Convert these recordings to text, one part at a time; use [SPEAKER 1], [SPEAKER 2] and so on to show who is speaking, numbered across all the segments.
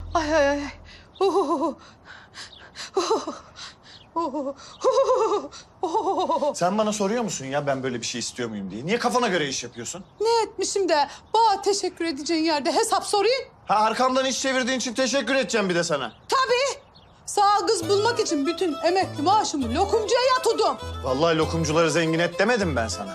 [SPEAKER 1] Ay ay ay.
[SPEAKER 2] Sen bana soruyor musun ya ben böyle bir şey istiyor muyum diye? Niye kafana göre iş yapıyorsun?
[SPEAKER 1] Ne etmişim de bana teşekkür edeceğin yerde hesap sorayım?
[SPEAKER 2] Ha arkamdan iş çevirdiğin için teşekkür edeceğim bir de sana.
[SPEAKER 1] Tabii. Sağ kız bulmak için bütün emekli maaşımı lokumcuya yatırdım.
[SPEAKER 2] Vallahi lokumcuları zengin et demedim ben sana.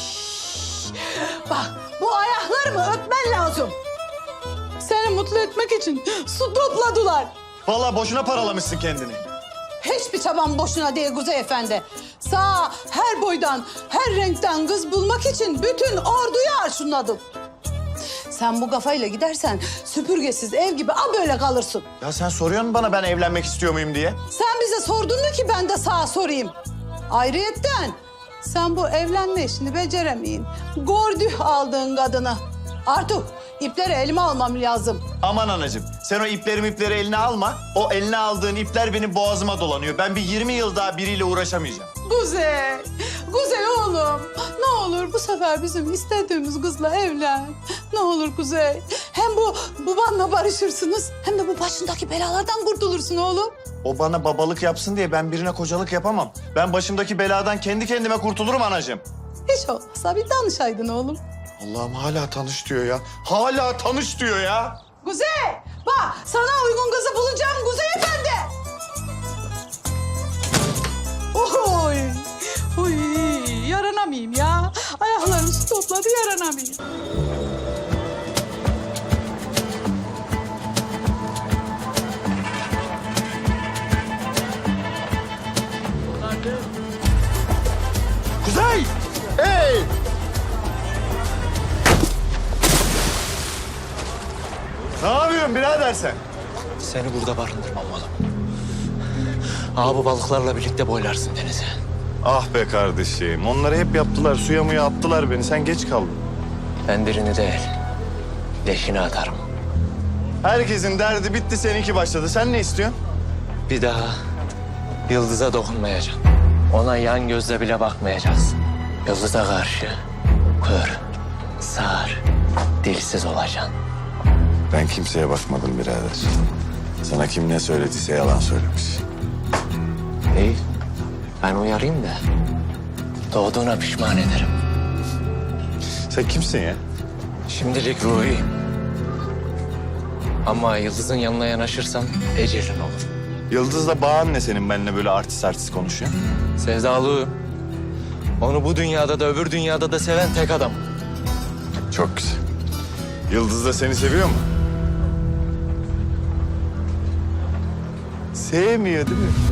[SPEAKER 1] Bak bu ayaklarımı öpmen lazım. Seni mutlu etmek için su topladılar.
[SPEAKER 2] Vallahi boşuna paralamışsın kendini.
[SPEAKER 1] Hiçbir çabam boşuna değil Kuzey Efendi. Sağ her boydan, her renkten kız bulmak için bütün orduyu arşınladım. Sen bu kafayla gidersen süpürgesiz ev gibi böyle kalırsın.
[SPEAKER 2] Ya sen soruyorsun bana ben evlenmek istiyor muyum diye.
[SPEAKER 1] Sen bize sordun mu ki ben de sağa sorayım? Ayrıyetten sen bu evlenme işini beceremeyin. Gördük aldığın kadını. Artık ipleri elime almam lazım.
[SPEAKER 2] Aman anacığım sen o ipleri eline alma. O eline aldığın ipler benim boğazıma dolanıyor. Ben bir 20 yıl daha biriyle uğraşamayacağım.
[SPEAKER 1] Kuzey, Kuzey oğlum. Ne olur bu sefer bizim istediğimiz kızla evlen. Ne olur Kuzey. Hem bu babanla barışırsınız hem de bu başındaki belalardan kurtulursun oğlum.
[SPEAKER 2] O bana babalık yapsın diye ben birine kocalık yapamam. Ben başımdaki beladan kendi kendime kurtulurum anacığım.
[SPEAKER 1] Hiç olmazsa bir danışaydın oğlum.
[SPEAKER 2] Allah'ım hala tanış diyor ya. Hala tanış diyor ya.
[SPEAKER 1] Kuzey, bak sana uygun kızı bulacağım Kuzey Efendi. Oy, oy, yaranamayayım ya. Ayaklarım su topladı, yaranamayayım.
[SPEAKER 2] Kuzey! Hey! Ne yapıyorsun birader sen?
[SPEAKER 3] Seni burada barındırmam oğlum. Bu balıklarla birlikte boylarsın denize.
[SPEAKER 2] Ah be kardeşim. Onları hep yaptılar. Suya muya attılar beni. Sen geç kaldın.
[SPEAKER 3] Ben birini değil, leşini atarım.
[SPEAKER 2] Herkesin derdi bitti. Seninki başladı. Sen ne istiyorsun?
[SPEAKER 3] Bir daha Yıldız'a dokunmayacaksın. Ona yan gözle bile bakmayacaksın. Yıldız'a karşı kör, sağır, dilsiz olacaksın.
[SPEAKER 2] Ben kimseye bakmadım birader. Sana kim ne söylediyse yalan söylemiş.
[SPEAKER 3] İyi, ben uyarayım da doğduğuna pişman ederim.
[SPEAKER 2] Sen kimsin ya?
[SPEAKER 3] Şimdilik ruhiyim. Ama Yıldız'ın yanına yanaşırsan ecelin olur.
[SPEAKER 2] Yıldız'la bağın ne senin benimle böyle artist konuşuyorsun?
[SPEAKER 3] Sevdalıyım. Onu bu dünyada da öbür dünyada da seven tek adam.
[SPEAKER 2] Çok güzel. Yıldız da seni seviyor mu? Sevmiyor değil mi?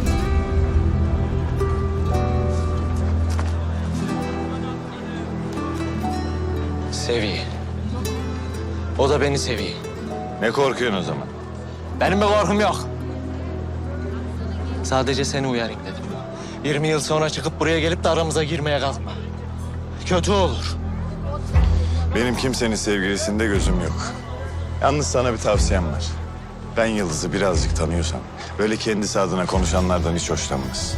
[SPEAKER 3] Seviyor. O da beni seviyor.
[SPEAKER 2] Ne korkuyorsun o zaman?
[SPEAKER 3] Benim bir korkum yok. Sadece seni uyarayım dedim. 20 yıl sonra çıkıp buraya gelip de aramıza girmeye kalkma. Kötü olur.
[SPEAKER 2] Benim kimsenin sevgilisinde gözüm yok. Yalnız sana bir tavsiyem var. Ben Yıldız'ı birazcık tanıyorsam böyle kendisi adına konuşanlardan hiç hoşlanmaz.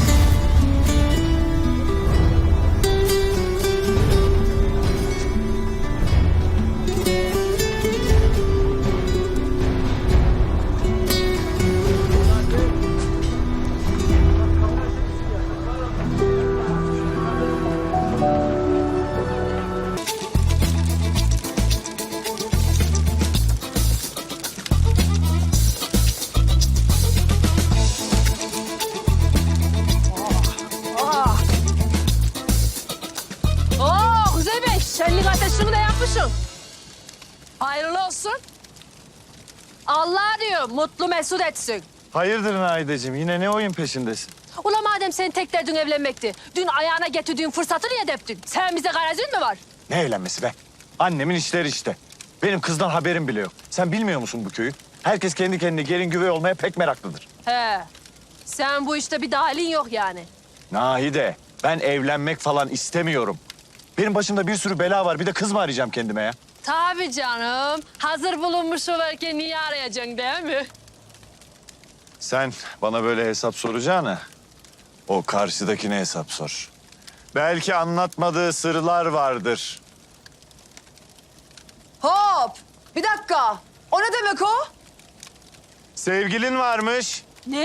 [SPEAKER 4] Oo Kuzey Bey, şenlik ateşini de yapmışsın. Hayırlı olsun. Allah diyor, mutlu mesut etsin.
[SPEAKER 2] Hayırdır Naideciğim yine ne oyun peşindesin?
[SPEAKER 4] Ula madem senin tek derdin evlenmekti, dün ayağına getirdiğin fırsatı niye deptin? Sen bize garezin mi var?
[SPEAKER 2] Ne evlenmesi be? Annemin işleri işte. Benim kızdan haberim bile yok. Sen bilmiyor musun bu köyü? Herkes kendi kendine gelin güvey olmaya pek meraklıdır.
[SPEAKER 4] He, sen bu işte bir dahilin yok yani.
[SPEAKER 2] Nahide, ben evlenmek falan istemiyorum. Benim başımda bir sürü bela var. Bir de kız mı arayacağım kendime ya?
[SPEAKER 4] Tabii canım, hazır bulunmuş varken niye arayacaksın değil mi?
[SPEAKER 2] Sen bana böyle hesap soracağına o karşıdakine hesap sor. Belki anlatmadığı sırlar vardır.
[SPEAKER 5] Hop! Bir dakika. O ne demek o?
[SPEAKER 2] Sevgilin varmış.
[SPEAKER 4] Ne?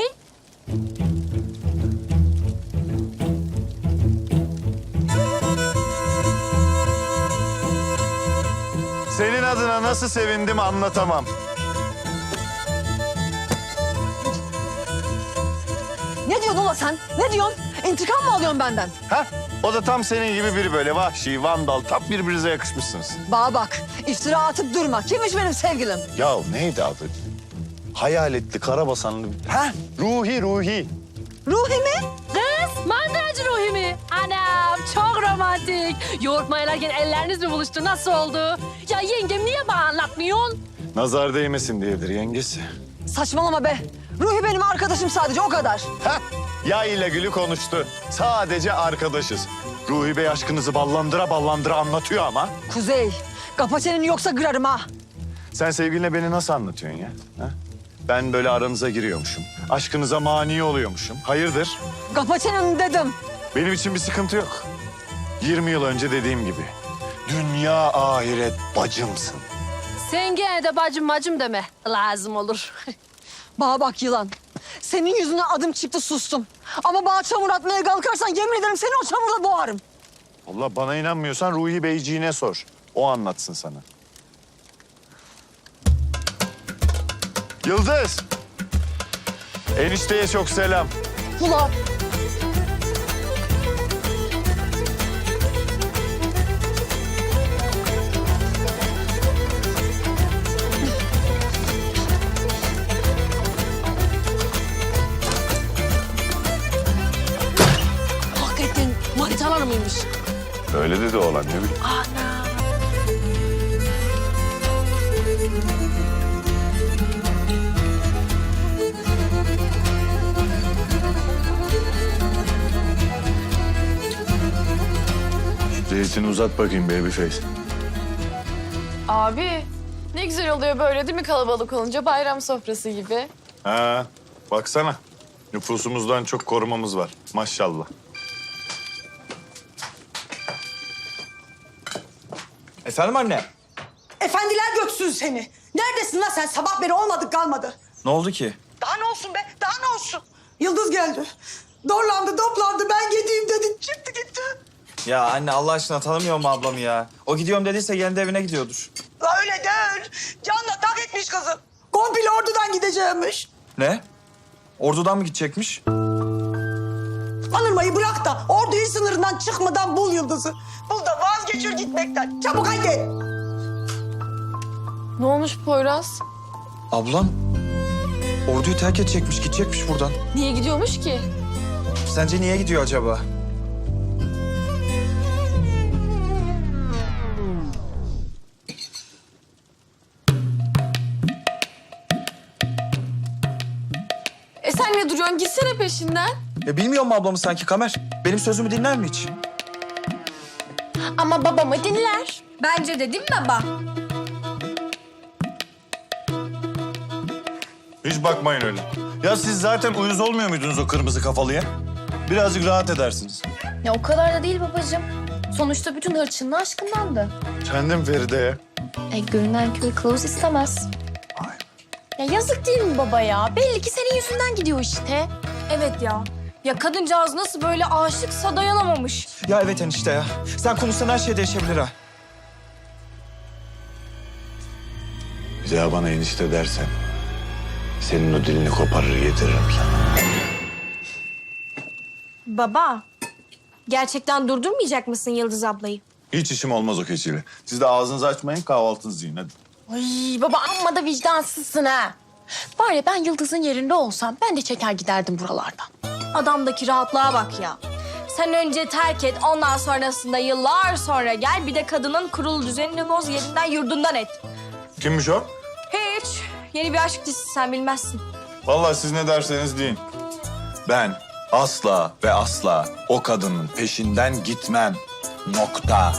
[SPEAKER 2] Senin adına nasıl sevindim anlatamam.
[SPEAKER 5] Ne diyorsun ulan sen? Ne diyorsun? İntikam mı alıyorsun benden?
[SPEAKER 2] Ha? O da tam senin gibi biri böyle vahşi, vandal. Tam birbirinize yakışmışsınız.
[SPEAKER 5] Bana bak, iftira atıp durma. Kimmiş benim sevgilim?
[SPEAKER 2] Ya neydi adı? Hayaletli, karabasanlı. Ha? Ruhi.
[SPEAKER 5] Ruhi mi?
[SPEAKER 4] Kız, mandıracı Ruhi mi? Anam, çok romantik. Yoğurt mayalarken elleriniz mi buluştu? Nasıl oldu? Ya yengem niye bana anlatmıyorsun?
[SPEAKER 2] Nazar değmesin diyedir yengesi.
[SPEAKER 5] Saçmalama be. Ruhi benim arkadaşım sadece, o kadar.
[SPEAKER 2] Ha? Ya ile Gül'ü konuştu. Sadece arkadaşız. Ruhi Bey aşkınızı ballandıra anlatıyor ama.
[SPEAKER 5] Kuzey, kapa çeneni yoksa kırarım ha.
[SPEAKER 2] Sen sevgiline beni nasıl anlatıyorsun ya? Ha? Ben böyle aranıza giriyormuşum. Aşkınıza mani oluyormuşum. Hayırdır?
[SPEAKER 5] Kapa çeneni dedim.
[SPEAKER 2] Benim için bir sıkıntı yok. 20 yıl önce dediğim gibi. Dünya ahiret bacımsın.
[SPEAKER 4] Sen gene de bacım deme. Lazım olur.
[SPEAKER 5] Bana bak yılan. Senin yüzüne adım çıktı, sustum. Ama bana çamur atmaya kalkarsan yemin ederim seni o çamurla boğarım.
[SPEAKER 2] Allah bana inanmıyorsan Ruhi Beyciğine sor. O anlatsın sana. Yıldız. Enişteye çok selam.
[SPEAKER 5] Ulan.
[SPEAKER 4] Hakikaten manitalar mıymış?
[SPEAKER 2] Öyle dedi oğlan ne bileyim. Zeytini uzat bakayım babyface.
[SPEAKER 6] Abi ne güzel oluyor böyle değil mi kalabalık olunca bayram sofrası gibi.
[SPEAKER 2] Ha, baksana. Nüfusumuzdan çok korumamız var. Maşallah.
[SPEAKER 7] Efendim anne?
[SPEAKER 8] Efendiler göksün seni. Neredesin lan sen? Sabah beri olmadık kalmadı.
[SPEAKER 7] Ne oldu ki?
[SPEAKER 8] Daha ne olsun be? Daha ne olsun? Yıldız geldi. Dorlandı, toplandı. Ben gideyim dedi. Çıktı gitti.
[SPEAKER 7] Ya anne Allah aşkına tanımıyor mu ablamı ya? O gidiyorum dediyse kendi evine gidiyordur.
[SPEAKER 8] La öyle değil. Canla tak etmiş kızı. Komple ordudan gideceğimmiş.
[SPEAKER 7] Ne? Ordudan mı gidecekmiş?
[SPEAKER 8] Anırmayı bırak da orduyu sınırından çıkmadan bul Yıldız'ı. Bul da vazgeçir gitmekten. Çabuk haydi.
[SPEAKER 6] Ne olmuş Poyraz?
[SPEAKER 7] Ablam orduyu terk edecekmiş, gidecekmiş buradan.
[SPEAKER 6] Niye gidiyormuş ki?
[SPEAKER 7] Sence niye gidiyor acaba?
[SPEAKER 6] Sen ne duruyorsun? Gitsene peşinden.
[SPEAKER 7] Ya bilmiyor mu ablamı sanki Kamer? Benim sözümü dinler mi hiç?
[SPEAKER 6] Ama babamı dinler.
[SPEAKER 9] Bence de değil mi baba?
[SPEAKER 2] Hiç bakmayın öyle. Ya siz zaten uyuz olmuyor muydunuz o kırmızı kafalıya? Birazcık rahat edersiniz.
[SPEAKER 9] Ya o kadar da değil babacığım. Sonuçta bütün hırçınlığı aşkındandı.
[SPEAKER 2] Kendim Feride'ye.
[SPEAKER 9] Görünen köy kılavuz istemez. Ya yazık değil mi baba ya? Belli ki senin yüzünden gidiyor işte. Evet ya. Ya kadıncağız nasıl böyle aşıksa dayanamamış.
[SPEAKER 7] Ya evet enişte ya. Sen konuşsan her şey değişebilir ha.
[SPEAKER 2] Bir daha bana enişte dersen senin o dilini koparır getiririm sana.
[SPEAKER 9] Baba, gerçekten durdurmayacak mısın Yıldız ablayı?
[SPEAKER 2] Hiç işim olmaz o keçiyle. Siz de ağzınızı açmayın, kahvaltınızı yiyin hadi.
[SPEAKER 9] Ay baba amma da vicdansızsın ha. Var ya ben Yıldız'ın yerinde olsam ben de çeker giderdim buralardan. Adamdaki rahatlığa bak ya. Sen önce terk et, ondan sonrasında yıllar sonra gel. Bir de kadının kurulu düzenini boz, yerinden yurdundan et.
[SPEAKER 2] Kimmiş o?
[SPEAKER 9] Hiç. Yeni bir aşk dizisi, sen bilmezsin.
[SPEAKER 2] Vallahi siz ne derseniz deyin. Ben asla ve asla o kadının peşinden gitmem. Nokta.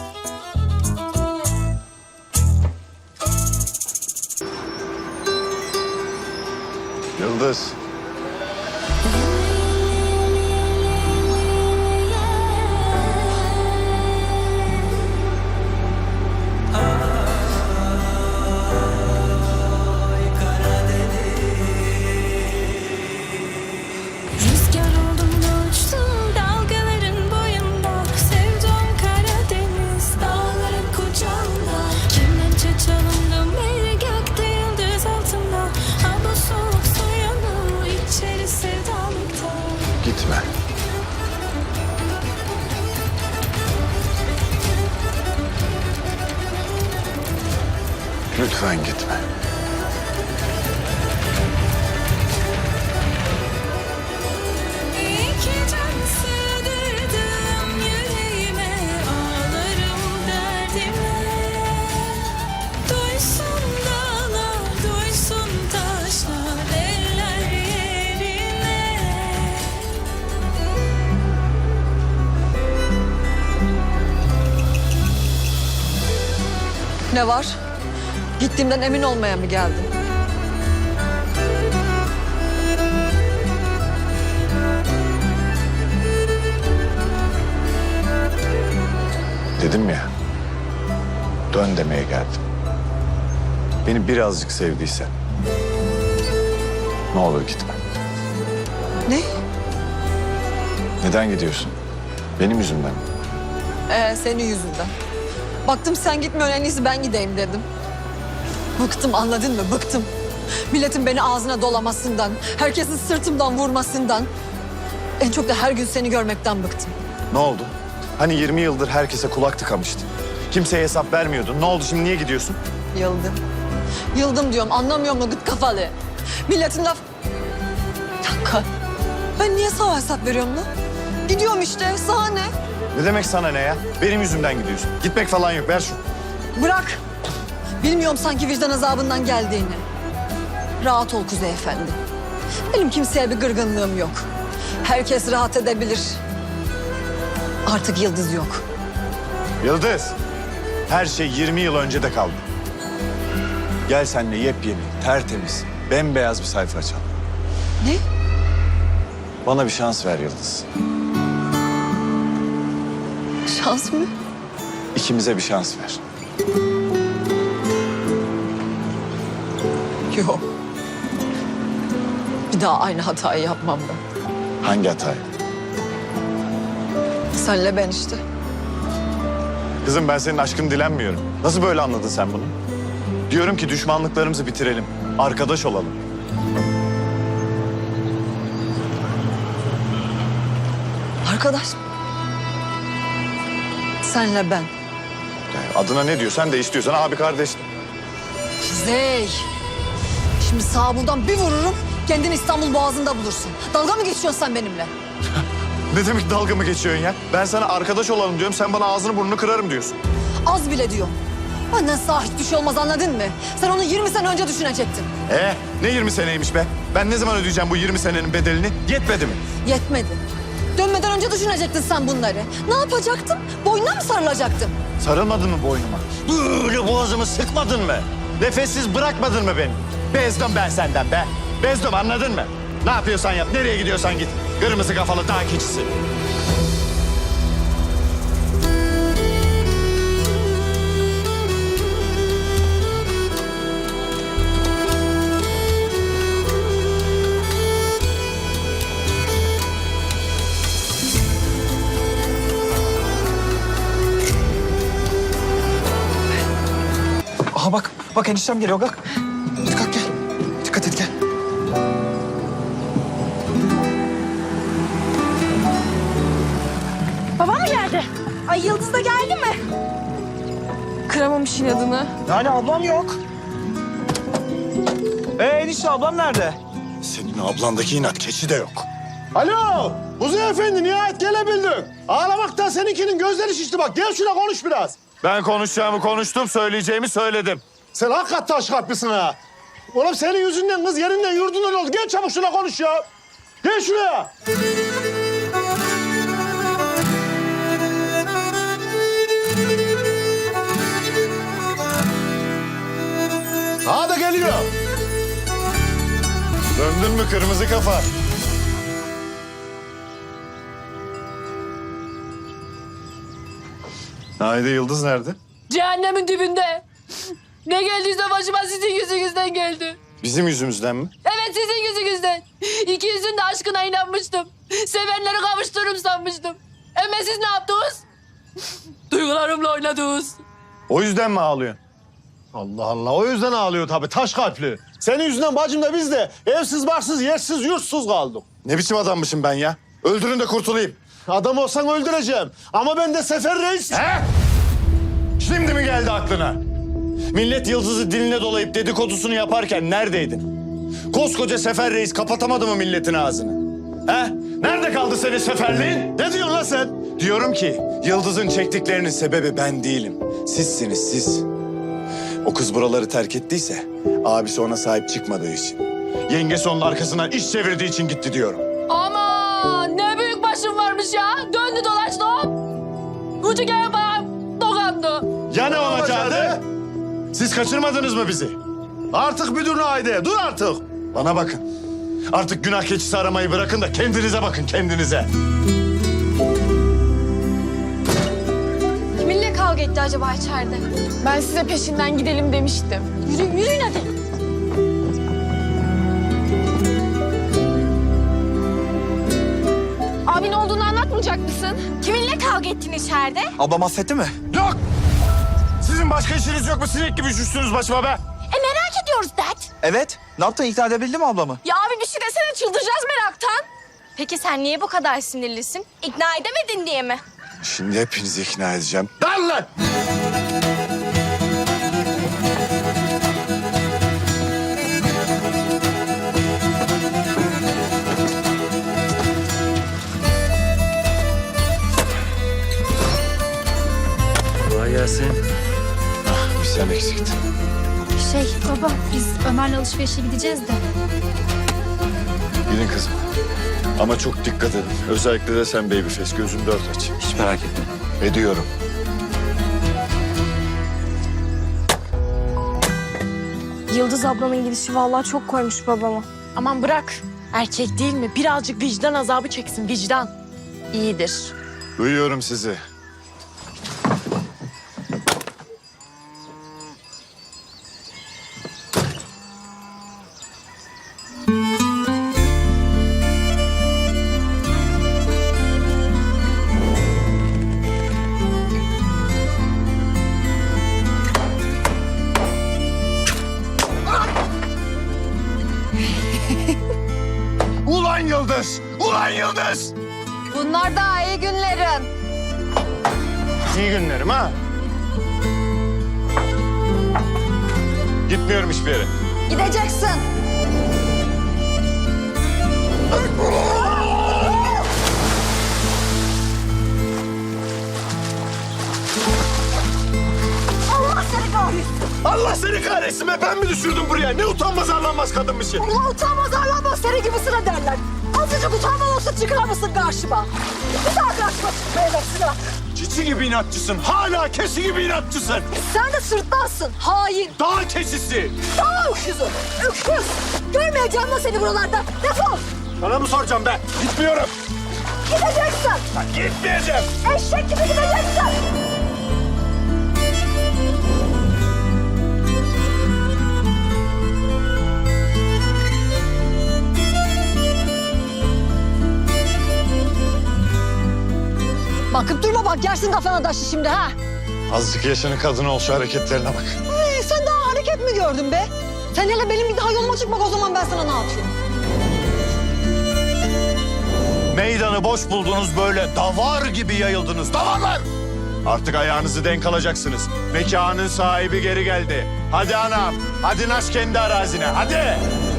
[SPEAKER 2] Yıldız. Gitme. Lütfen gitme.
[SPEAKER 10] İki can sığdırdım yüreğime, ağlarım derdime. Duysun dağlar, duysun taşlar, eller yerine.
[SPEAKER 5] Ne var? Gittiğimden emin olmaya mı geldin?
[SPEAKER 2] Dedim ya, dön demeye geldim. Beni birazcık sevdiysen, ne olur gitme.
[SPEAKER 5] Ne?
[SPEAKER 2] Neden gidiyorsun? Benim yüzümden mi?
[SPEAKER 5] Senin yüzünden. Baktım sen gitmiyorsun, en iyisi ben gideyim dedim. Bıktım, anladın mı? Bıktım. Milletin beni ağzına dolamasından, herkesin sırtımdan vurmasından. En çok da her gün seni görmekten bıktım.
[SPEAKER 2] Ne oldu? Hani 20 yıldır herkese kulak tıkamıştın. Kimseye hesap vermiyordun. Ne oldu şimdi, niye gidiyorsun?
[SPEAKER 5] Yıldım. Yıldım diyorum, anlamıyor musun gıt kafalı? Milletin laf... Bir dakika. Ben niye sana hesap veriyorum lan? Gidiyorum işte, sana ne?
[SPEAKER 2] Ne demek sana ne ya? Benim yüzümden gidiyorsun. Gitmek falan yok, ver şunu.
[SPEAKER 5] Bırak. Bilmiyorum sanki vicdan azabından geldiğini. Rahat ol Kuzey Efendi. Benim kimseye bir gırgınlığım yok. Herkes rahat edebilir. Artık Yıldız yok.
[SPEAKER 2] Yıldız, her şey 20 yıl önce de kaldı. Gel seninle yepyeni, tertemiz, bembeyaz bir sayfa açalım.
[SPEAKER 5] Ne?
[SPEAKER 2] Bana bir şans ver Yıldız.
[SPEAKER 5] Şans mı?
[SPEAKER 2] İkimize bir şans ver.
[SPEAKER 5] Yok. Bir daha aynı hatayı yapmam ben.
[SPEAKER 2] Hangi hatayı?
[SPEAKER 5] Senle ben işte.
[SPEAKER 2] Kızım ben senin aşkını dilenmiyorum. Nasıl böyle anladın sen bunu? Diyorum ki düşmanlıklarımızı bitirelim. Arkadaş olalım.
[SPEAKER 5] Arkadaş. Senle ben.
[SPEAKER 2] Yani adına ne diyorsan de istiyorsan abi kardeş.
[SPEAKER 5] Kuzey. Şimdi sağa buradan bir vururum. Kendini İstanbul Boğazı'nda bulursun. Dalga mı geçiyorsun sen benimle?
[SPEAKER 2] Ne demek dalga mı geçiyorsun ya? Ben sana arkadaş olalım diyorum. Sen bana ağzını burnunu kırarım diyorsun.
[SPEAKER 5] Az bile diyorum. Benden sağ hiçbir şey olmaz, anladın mı? Sen onu 20 sene önce düşünecektin.
[SPEAKER 2] Ne 20 seneymiş be? Ben ne zaman ödeyeceğim bu 20 senenin bedelini? Yetmedi mi?
[SPEAKER 5] Yetmedi. Dönmeden önce düşünecektin sen bunları. Ne yapacaktım? Boynuna mı sarılacaktım?
[SPEAKER 2] Sarılmadın mı boynuma? Böyle boğazımı sıkmadın mı? Nefessiz bırakmadın mı beni? Bezdim ben senden be. Bezdim, anladın mı? Ne yapıyorsan yap, nereye gidiyorsan git. Kırmızı kafalı dağ keçisi.
[SPEAKER 7] Aha bak eniştem geliyor kalk. Hadi kalk gel. Dikkat et gel.
[SPEAKER 9] Babam mı geldi? Ay Yıldız da geldi mi?
[SPEAKER 6] Kıramamış inadını.
[SPEAKER 7] Yani ablam yok. Enişte ablam nerede?
[SPEAKER 2] Senin ablandaki inat keçi de yok.
[SPEAKER 11] Alo, Kuzey Efendi nihayet gelebildin. Ağlamaktan seninkinin gözleri şişti bak. Gel şuna konuş biraz.
[SPEAKER 2] Ben konuşacağımı konuştum, söyleyeceğimi söyledim.
[SPEAKER 11] Sen hakikaten taş kalplisin ha. Oğlum senin yüzünden kız yerinden yurdundan oldu. Gel çabuk şuna konuş ya. Gel şuraya. Ha da geliyor.
[SPEAKER 2] Döndün mü kırmızı kafa? Naide Yıldız nerede?
[SPEAKER 4] Cehennemin dibinde. Ne geldiyse başıma sizin yüzünüzden geldi.
[SPEAKER 2] Bizim yüzümüzden mi?
[SPEAKER 4] Evet, sizin yüzünüzden. İkinizin de aşkına inanmıştım. Sevenleri kavuştururum sanmıştım. Ama siz ne yaptınız? Duygularımla oynadınız.
[SPEAKER 2] O yüzden mi ağlıyorsun?
[SPEAKER 11] Allah Allah, o yüzden ağlıyor tabii, taş kalpli. Senin yüzünden bacım da biz de evsiz, barksız, yersiz, yurtsuz kaldık.
[SPEAKER 2] Ne biçim adammışım ben ya? Öldürün de kurtulayım.
[SPEAKER 11] Adam olsan öldüreceğim. Ama ben de Sefer Reis.
[SPEAKER 2] He? Şimdi mi geldi aklına? Millet Yıldız'ı diline dolayıp dedikodusunu yaparken neredeydin? Koskoca Sefer Reis kapatamadı mı milletin ağzını? He? Nerede kaldı senin seferliğin?
[SPEAKER 11] Ne diyorsun lan sen?
[SPEAKER 2] Diyorum ki Yıldız'ın çektiklerinin sebebi ben değilim. Sizsiniz siz. O kız buraları terk ettiyse abisi ona sahip çıkmadığı için. Yengesi onun arkasından iş çevirdiği için gitti diyorum.
[SPEAKER 4] Aman ne büyük başım varmış ya. Döndü dolaştı hop. Ucu gene bana dokandı.
[SPEAKER 2] Ya ne olacaktı? Siz kaçırmadınız mı bizi?
[SPEAKER 11] Artık müdürüne Haydi. Dur artık.
[SPEAKER 2] Bana bakın. Artık günah keçisi aramayı bırakın da kendinize bakın, kendinize.
[SPEAKER 9] Kiminle kavga etti acaba içeride?
[SPEAKER 6] Ben size peşinden gidelim demiştim.
[SPEAKER 9] Yürüyün hadi.
[SPEAKER 6] Abin olduğunu anlatmayacak mısın?
[SPEAKER 9] Kiminle kavga ettin içeride?
[SPEAKER 7] Ablam affetti mi?
[SPEAKER 2] Yok! Sizin başka işiniz yok mu? Sinek gibi üşüştünüz başıma be.
[SPEAKER 9] Merak ediyoruz dad.
[SPEAKER 7] Evet. Ne yaptın? İkna edebildin mi ablamı?
[SPEAKER 9] Ya abi bir şey desene çıldıracağız meraktan. Peki sen niye bu kadar sinirlisin? İkna edemedin diye mi?
[SPEAKER 2] Şimdi hepinizi ikna edeceğim. Lan lan!
[SPEAKER 3] Kolay gelsin.
[SPEAKER 2] Bir sen eksiktin.
[SPEAKER 9] Baba biz Ömer'le alışverişe gideceğiz de.
[SPEAKER 2] Gidin kızım. Ama çok dikkat edin. Özellikle de sen babyface. Gözünü dört aç.
[SPEAKER 3] Hiç merak etme.
[SPEAKER 2] Ediyorum.
[SPEAKER 9] Yıldız ablanın gidişi vallahi çok koymuş babama.
[SPEAKER 4] Aman bırak. Erkek değil mi? Birazcık vicdan azabı çeksin vicdan. İyidir.
[SPEAKER 2] Duyuyorum sizi. Ulan Yıldız! Ulan Yıldız!
[SPEAKER 5] Bunlar da iyi günlerin.
[SPEAKER 2] İyi günlerim ha. Gitmiyorum hiçbir yere.
[SPEAKER 5] Gideceksin.
[SPEAKER 2] Allah seni kahretsin be, ben mi düşürdüm buraya? Ne utanmaz arlanmaz kadınmışsın.
[SPEAKER 5] Ulan utanmaz arlanmaz seni gibisine derler. Azıcık utanma olsa çıkar mısın karşıma? Bir daha karşıma çıkmaya versin.
[SPEAKER 2] Çiçi gibi inatçısın, hala keçi gibi inatçısın.
[SPEAKER 5] Sen de sırtlansın, hain.
[SPEAKER 2] Dağ keçisi.
[SPEAKER 5] Daha öküzü, öküz. Görmeyeceğim lan seni buralarda. Defol.
[SPEAKER 2] Sana mı soracağım ben? Gitmiyorum.
[SPEAKER 5] Gideceksin.
[SPEAKER 2] Gitmeyeceğim.
[SPEAKER 5] Eşek gibi gideceksin. Bakıp durma bak, yersin kafana taşı şimdi ha.
[SPEAKER 2] Azıcık yaşının kadını ol, şu hareketlerine bak.
[SPEAKER 5] Sen daha hareket mi gördün be? Sen hele benim bir daha yoluma çıkmak, o zaman ben sana ne yapayım?
[SPEAKER 2] Meydanı boş buldunuz, böyle davar gibi yayıldınız. Davarlar! Artık ayağınızı denk alacaksınız. Mekanın sahibi geri geldi. Hadi anam, hadi naş kendi arazine, hadi!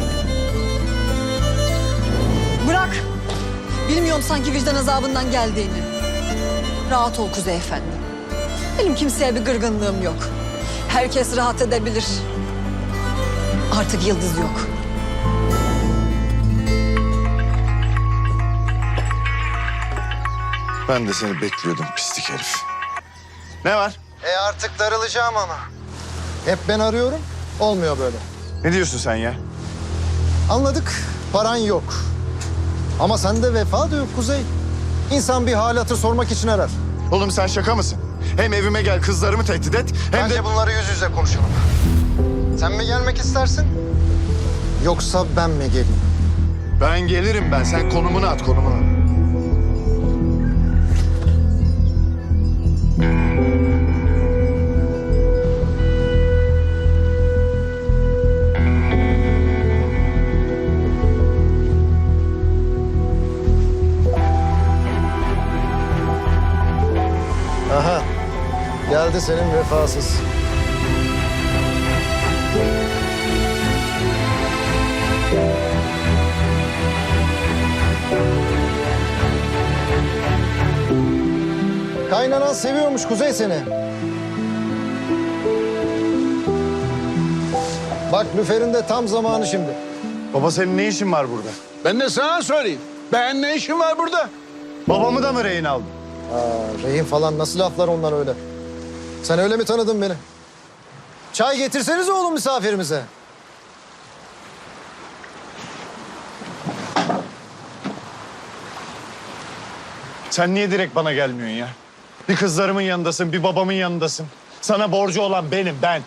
[SPEAKER 5] Bırak. Bilmiyorum sanki vicdan azabından geldiğini. Rahat ol Kuzey Efendi. Benim kimseye bir gırgınlığım yok. Herkes rahat edebilir. Artık Yıldız yok.
[SPEAKER 2] Ben de seni bekliyordum pislik herif. Ne var?
[SPEAKER 12] Artık darılacağım ama. Hep ben arıyorum, olmuyor böyle.
[SPEAKER 2] Ne diyorsun sen ya?
[SPEAKER 12] Anladık, paran yok. Ama sende vefa da yok Kuzey. İnsan bir hal hatır sormak için arar.
[SPEAKER 2] Oğlum sen şaka mısın? Hem evime gel, kızlarımı tehdit et, hem
[SPEAKER 12] Bence
[SPEAKER 2] de...
[SPEAKER 12] bunları yüz yüze konuşalım. Sen mi gelmek istersin? Yoksa ben mi geleyim?
[SPEAKER 2] Ben gelirim ben. Sen konumunu at, konumunu.
[SPEAKER 12] Hadi senin vefasız. Kaynanan seviyormuş Kuzey seni. Bak Lüfer'in de tam zamanı şimdi.
[SPEAKER 2] Baba senin ne işin var burada?
[SPEAKER 11] Ben de sana sorayım. Ben ne işim var burada?
[SPEAKER 2] Babamı da mı rehin aldın?
[SPEAKER 12] Rehin falan nasıl laflar onlar öyle? Sen öyle mi tanıdın beni? Çay getirseniz oğlum misafirimize.
[SPEAKER 2] Sen niye direkt bana gelmiyorsun ya? Bir kızlarımın yanındasın, bir babamın yanındasın. Sana borcu olan benim, ben.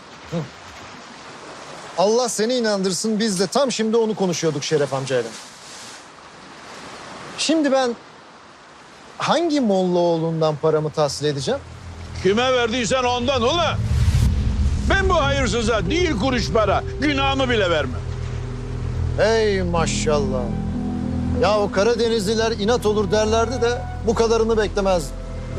[SPEAKER 12] Allah seni inandırsın, biz de tam şimdi onu konuşuyorduk Şeref amcayla. Şimdi ben hangi Mollaoğlu'ndan paramı tahsil edeceğim?
[SPEAKER 11] Kime verdiysen ondan ula. Ben bu hayırsıza değil kuruş para, günahımı bile vermem.
[SPEAKER 12] Hey maşallah. Ya o Karadenizliler inat olur derlerdi de bu kadarını beklemezdim.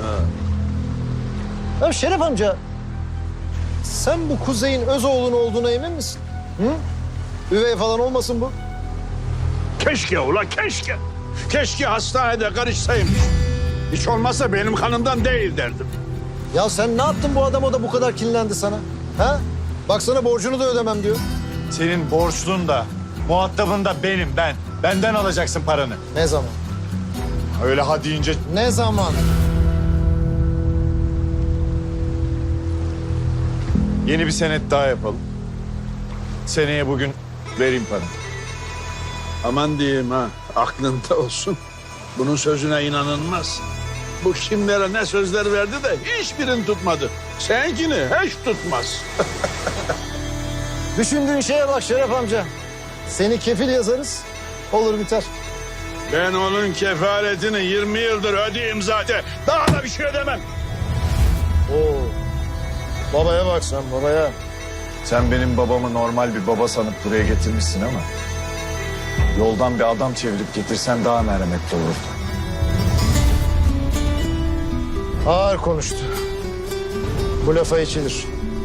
[SPEAKER 12] Ya Şeref amca, sen bu Kuzey'in öz oğlun olduğuna emin misin? Hı? Üvey falan olmasın bu?
[SPEAKER 11] Keşke ula keşke. Keşke hastanede karışsaymış. Hiç olmazsa benim kanımdan değil derdim.
[SPEAKER 12] Ya sen ne yaptın bu adam o da bu kadar kinlendi sana? Ha? Baksana borcunu da ödemem diyor.
[SPEAKER 2] Senin borçlun da, muhatabın da benim, ben. Benden alacaksın paranı.
[SPEAKER 12] Ne zaman?
[SPEAKER 2] Öyle ha deyince
[SPEAKER 12] Ne zaman?
[SPEAKER 2] yeni bir senet daha yapalım. Seneye bugün vereyim paranı.
[SPEAKER 11] Aman diyeyim ha, aklında olsun. Bunun sözüne inanılmaz. Bu kimlere ne sözler verdi de hiçbirini tutmadı. Seninkini hiç tutmaz.
[SPEAKER 12] Düşündüğün şeye bak Şeref amca. Seni kefil yazarız, olur biter.
[SPEAKER 11] Ben onun kefaretini 20 yıldır ödeyeyim zaten. Daha da bir şey ödemem.
[SPEAKER 12] Oo. Babaya bak sen babaya.
[SPEAKER 2] Sen benim babamı normal bir baba sanıp buraya getirmişsin ama... yoldan bir adam çevirip getirsen daha merhametli olurdu.
[SPEAKER 12] Ağır konuştu. Bu lafa içilir.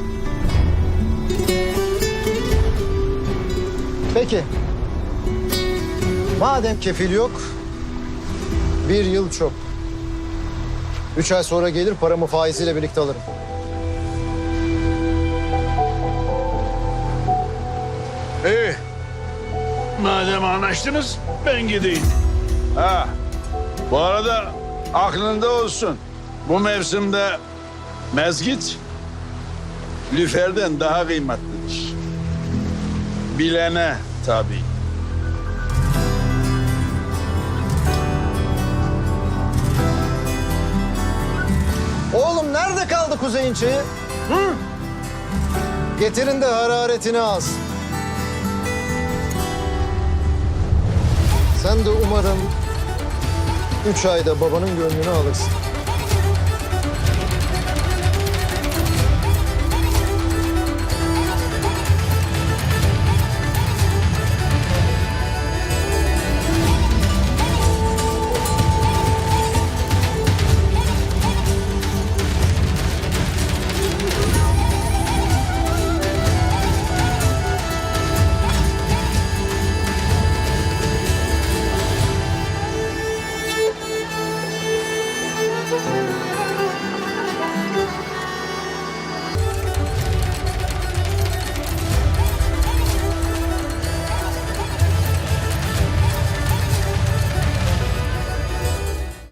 [SPEAKER 12] Peki. Madem kefil yok, 1 yıl çok. 3 ay sonra gelir paramı faiziyle birlikte alırım.
[SPEAKER 11] İyi. Madem anlaştınız ben gideyim. Ha. Bu arada aklında olsun. Bu mevsimde mezgit lüferden daha kıymetlidir. Bilene tabii.
[SPEAKER 12] Oğlum nerede kaldı Kuzey'in çayı? Hı? Getirin de hararetini az. Sen de umarım 3 ayda babanın gönlünü alırsın.